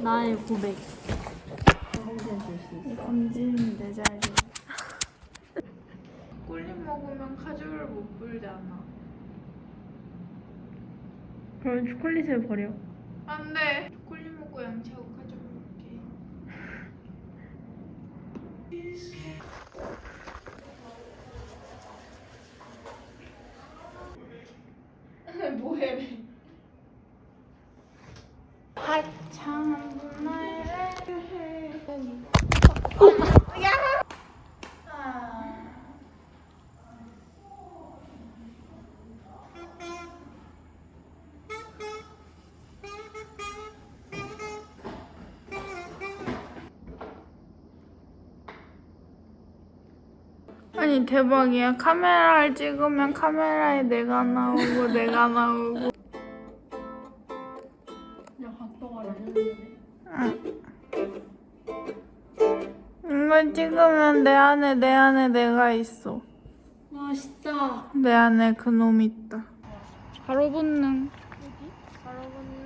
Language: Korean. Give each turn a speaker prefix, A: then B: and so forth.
A: 나의 고백.
B: 검진 내 자리. 꿀림 먹으면 카주를 못 불잖아.
A: 그럼 초콜릿을 버려.
B: 안 돼. 꿀림 먹고 양치하고 카주 먹을게. 뭐해? 하찮은 말을 해. 아니 대박이야. 카메라를 찍으면 카메라에 내가 나오고 내가 나오고.
A: 그냥 각도가 나는데.
B: 이걸 찍으면 내 안에 내가 있어.
A: 맛있다.
B: 내 안에 그놈 있다. 바로 붙는.
A: 어디? 바로 붙는.